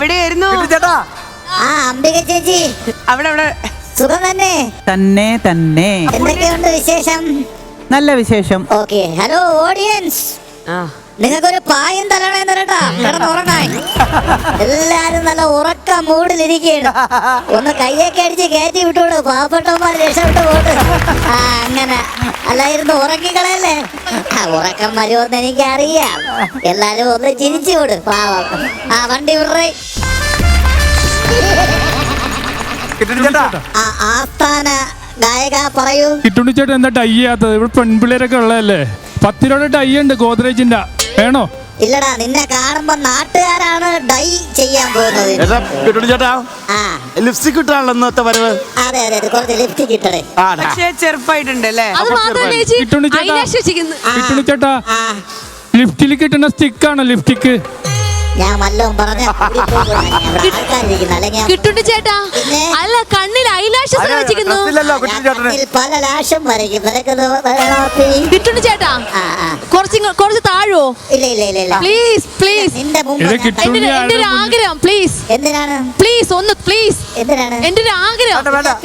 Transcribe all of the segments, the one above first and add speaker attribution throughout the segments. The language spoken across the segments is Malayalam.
Speaker 1: എവിടെയായിരുന്നു
Speaker 2: ചേട്ടാ?
Speaker 3: അംബിക ചേച്ചി
Speaker 1: അവിടെ
Speaker 3: സുഖം തന്നെ
Speaker 2: തന്നെ തന്നെ.
Speaker 3: എന്തൊക്കെയുണ്ട് വിശേഷം?
Speaker 2: നല്ല വിശേഷം.
Speaker 3: ഓക്കെ. ഹലോ ഓഡിയൻസ്, നിങ്ങൾക്കൊരു പായം തരണേന്ന് കേട്ടാ കിടന്നുറങ്ങാൻ. എല്ലാരും നല്ല ഉറക്ക മൂടിലിരിക്കുകയാണ്. ഒന്ന് കയ്യൊക്കെ അടിച്ച് കയറ്റി വിട്ടോട്, പാവപ്പെട്ടവന്മാർ രക്ഷപ്പെട്ടു പോട്ട്. അങ്ങനെ അല്ലായിരുന്നു ഉറക്കിക്കളയല്ലേ. ഉറക്കം വരുമെന്ന് എനിക്കറിയാം. എല്ലാരും ഒന്ന് ചിരിച്ചു വിട് പാവം. വണ്ടി വിടറേ. ആസ്ഥാന ഗായക പറയൂ.
Speaker 4: കിട്ടുണ്ണി ചേട്ടൻ എന്താ ടൈ ചെയ്യാത്തത്? ഇവിടെ പെൺപിള്ളേരൊക്കെ ഉള്ളതല്ലേ. 10 രൂപയുടെ ടൈ ഉണ്ട് ഗോദ്രേജിന്റെ, വേണോ?
Speaker 3: ഇല്ലടാ, നിന്നെ കാണുമ്പോ നാട്ടുകാരാണ് ഡൈ ചെയ്യാൻ പോകുന്നത്.
Speaker 5: ചേട്ടാ ലിപ്സ്റ്റിക് ഇട്ടാണല്ലോ ഇന്നത്തെ വരവ്.
Speaker 3: അതെ അതെ, കുറച്ച് ലിപ്സ്റ്റിക് ഇട്ടേ.
Speaker 1: പക്ഷേ ചെറുപ്പായിട്ടുണ്ട് അല്ലേ?
Speaker 4: കിട്ടുണ്ണി ചേട്ടാ ലിഫ്റ്റിൽ കിട്ടുന്ന സ്റ്റിക്കാണോ ലിപ്സ്റ്റിക്ക്?
Speaker 3: ഞാൻ വല്ലതും പറഞ്ഞ
Speaker 6: കിട്ടുണ്ണി ചേട്ടാ, അല്ല കണ്ണിൽ ഐലാഷസ് വെച്ചിരിക്കുന്നു.
Speaker 3: പല ലാഷും വരയ്ക്കും.
Speaker 6: കിട്ടുണ്ണി ചേട്ടാ കുറച്ച് താഴോ?
Speaker 3: ഇല്ല ഇല്ല ഇല്ല ഇല്ല,
Speaker 6: പ്ലീസ് പ്ലീസ്,
Speaker 3: നിന്റെ മുമ്പ്
Speaker 6: എന്റെ ഒരു ആഗ്രഹം, പ്ലീസ്.
Speaker 3: എന്തിനാണ്?
Speaker 6: പ്ലീസ് ഒന്ന് പ്ലീസ്,
Speaker 3: എന്തിനാണ്?
Speaker 6: എന്റെ ഒരു ആഗ്രഹം.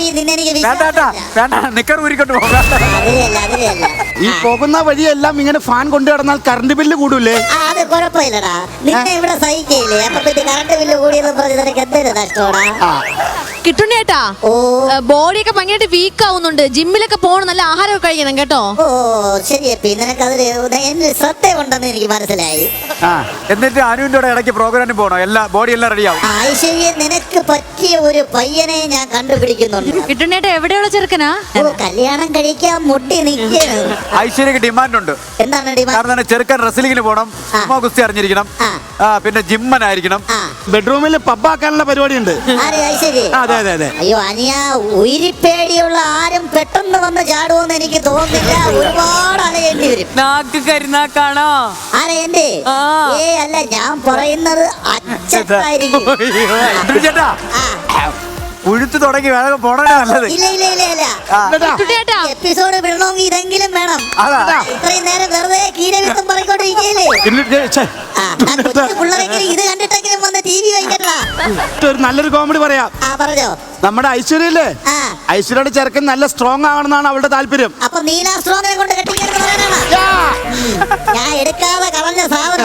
Speaker 5: ഈ പോകുന്ന വഴിയെല്ലാം ഇങ്ങനെ ഫാൻ കൊണ്ടു കിടന്നാൽ കറണ്ട് ബില്ല് കൂടൂലേ?
Speaker 3: അത് കുഴപ്പമില്ലടാ, നിന്നെ ഇവിടെ സഹിക്കയില്ലേ. അപ്പൊ പിന്നെ കറണ്ട് ബില്ല് കൂടിയെന്ന് പറഞ്ഞ് നിനക്ക് എന്തൊരു നഷ്ടമാടാ.
Speaker 6: കിട്ടുണ്ണി ചേട്ടാ, ബോഡിയൊക്കെ ഭയങ്കരമായിട്ട് വീക്ക് ആവുന്നുണ്ട്. ജിമ്മിലൊക്കെ പോകണം, നല്ല ആഹാരമൊക്കെ കഴിക്കണം കേട്ടോ.
Speaker 3: ഓ ശരിയപ്പി, നിനക്ക് അതിൽ ശ്രദ്ധയുണ്ടെന്ന് എനിക്ക് മനസ്സിലായി.
Speaker 2: എന്നിട്ട് അനുവിന്റെ ഇടയ്ക്ക് പ്രോഗ്രാമിന് പോകണോ? ബോഡി എല്ലാം റെഡിയാവും.
Speaker 3: ഐശ്വര്യ, നിനക്ക് പറ്റിയ ഒരു പയ്യനെ ഞാൻ കണ്ടുപിടിക്കുന്നുണ്ട്.
Speaker 6: കിട്ടുണ്ണി ചേട്ടാ എവിടെയുള്ള ചെറുക്കനാ?
Speaker 3: കല്യാണം കഴിക്കാൻ മുട്ടി നിൽക്കുകയാണ്.
Speaker 2: ഐശ്വര്യക്ക് ഡിമാൻഡ് ഉണ്ട്.
Speaker 3: എന്താണ് ഡിമാൻഡ്?
Speaker 2: കാരണം ചെറുക്കൻ റെസ്ലിംഗിന് പോകണം, സുമോ ഗുസ്തി അറിഞ്ഞിരിക്കണം, പിന്നെ ജിമ്മനായിരിക്കണം.
Speaker 5: ബെഡ്റൂമിൽ പബ്ബാക്കാനുള്ള പരിപാടി ഉണ്ട്.
Speaker 3: അതെ അതെ അതെ. അയ്യോ അനിയ, ഉയിരിപ്പേടിയുള്ള ആരും പെട്ടെന്ന് വന്ന് ചാടുമെന്ന് എനിക്ക് തോന്നുന്നില്ല. ഒരുപാട് അലയേണ്ടി വരും.
Speaker 1: നാക്ക് കരുനാക്കാണോ?
Speaker 3: ആരെന്റെ? അല്ല, ഞാൻ പറയുന്നത് അച്ഛനായിരിക്കും.
Speaker 2: ചേട്ടാ ഉഴുത്ത് തുടങ്ങി വേണം പോണേ നല്ലത്.
Speaker 3: ഇല്ല ഇല്ല ഇല്ല ഇല്ല, എപ്പിസോഡ് വിടണമെങ്കിൽ ഇതെങ്കിലും വേണം. ഇത്രയും നേരം വെറുതെ കീരവിത്തം പറഞ്ഞോണ്ടിരിക്കല്ലേ. പിള്ളേരെങ്കിലും ഇത് കണ്ടിട്ടെങ്കിലും വന്ന് TV വയ്ക്കട്ടാ.
Speaker 5: ഒരു നല്ലൊരു കോമഡി പറയാം.
Speaker 3: പറഞ്ഞോ.
Speaker 5: നമ്മുടെ ഐശ്വര്യല്ലേ, ഐശ്വര്യയുടെ ചെറുക്കൻ നല്ല സ്ട്രോങ് ആവണമെന്നാണ് അവളുടെ താല്പര്യം.
Speaker 3: അപ്പൊ നീല സ്ട്രോങ്ങിനെ കൊണ്ട് കെട്ടിക്കാൻ ഞാൻ എടുക്കാതെ കളഞ്ഞ സാധനം.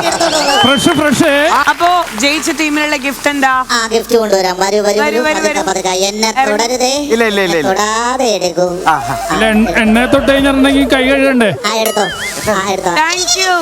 Speaker 1: അപ്പോ ജയിച്ച ടീമിനുള്ള ഗിഫ്റ്റ് എന്താ?
Speaker 3: ഗിഫ്റ്റ് കൊണ്ടുവരാം. എന്നെ തൊടരുതേ.
Speaker 2: ഇല്ല ഇല്ല ഇല്ല,
Speaker 3: തൊടാതെ എടുക്കൂ.
Speaker 4: എണ്ണ തൊട്ട് കഴിഞ്ഞിട്ടുണ്ടെങ്കിൽ കൈ കഴുകണ്ടേ?
Speaker 3: എടുത്തോ എടുത്തോ.
Speaker 1: Thank you.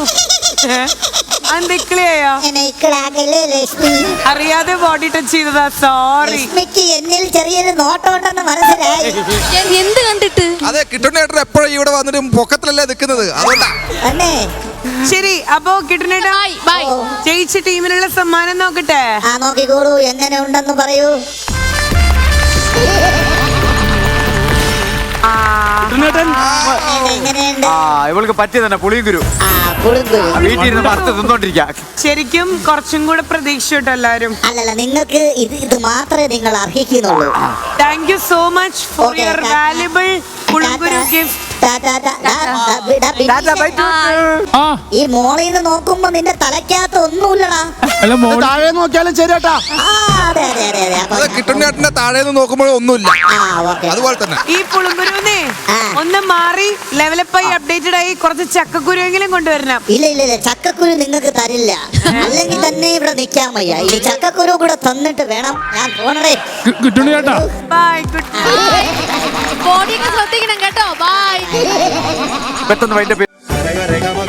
Speaker 1: അറിയാതെ ബോഡി ടച്ച് ചെയ്തതാ, സോറി.
Speaker 3: എന്നിൽ ചെറിയൊരു നോട്ടമുണ്ടെന്ന് മനസ്സിലായി.
Speaker 6: എന്ത് കണ്ടിട്ട്?
Speaker 7: അതെ, കിട്ടുണ്ണി ചേട്ടൻ എപ്പോഴും ഇവിടെ വന്നിട്ട് പൊക്കത്തിലല്ലേ നിൽക്കുന്നത്, അതുകൊണ്ടാ.
Speaker 1: ശരി, അപ്പോ കിട്ടുണ്ണേട്ടാ ജയിച്ച ടീമിനുള്ള സമ്മാനം നോക്കട്ടെ.
Speaker 3: നോക്കിക്കോളൂ, എങ്ങനെ ഉണ്ടെന്ന് പറയൂ.
Speaker 2: ഇവൾക്ക് പറ്റിയ തന്നെ പുളിയും ഗുരു. വീട്ടിൽ വറുത്ത് തിന്നോണ്ടിരിക്കാം.
Speaker 1: ശരിക്കും കുറച്ചും കൂടെ പ്രതീക്ഷ കേട്ടോ എല്ലാരും.
Speaker 3: അല്ലല്ല, നിങ്ങൾക്ക് ഇത് മാത്രമേ നിങ്ങൾ അർഹിക്കുന്നുള്ളൂ.
Speaker 1: Thank you so much for your valuable പുളിങ്കുരു ഗിഫ്റ്റ്.
Speaker 3: ഈ മോളിൽ നിന്ന് നോക്കുമ്പോ നിന്റെ തലക്കകത്ത് ഒന്നുമില്ലടാ.
Speaker 5: താഴെ നോക്കിയാലും ശരിയാട്ടാ.
Speaker 7: കിട്ടുണ്ണി ചേട്ടന്റെ താഴെ നോക്കുമ്പോഴും ഒന്നുമില്ല, അതുപോലെ തന്നെ.
Speaker 1: ഈ പുളിങ്കുരുവിനെ ഒന്ന് മാറി ലെവലപ്പായി അപ്ഡേറ്റഡ് ആയി കുറച്ച് ചക്കക്കുരുവെങ്കിലും കൊണ്ടുവരണം.
Speaker 3: ഇല്ല ഇല്ല ഇല്ല, ചക്കക്കുരു നിങ്ങൾക്ക് തരില്ല. അല്ലെങ്കിൽ തന്നെ ഇവിടെ നിൽക്കാൻ വയ്യ. ഈ ചക്കക്കുരു കൂടെ തന്നിട്ട് വേണം ഞാൻ പോണേ.
Speaker 4: കിട്ടുണ്ണി ചേട്ടാ
Speaker 1: ബൈ.
Speaker 6: ബോഡിയൊക്കെ ശ്രദ്ധിക്കണം കേട്ടോ. ബൈ.
Speaker 2: പെട്ടെന്ന്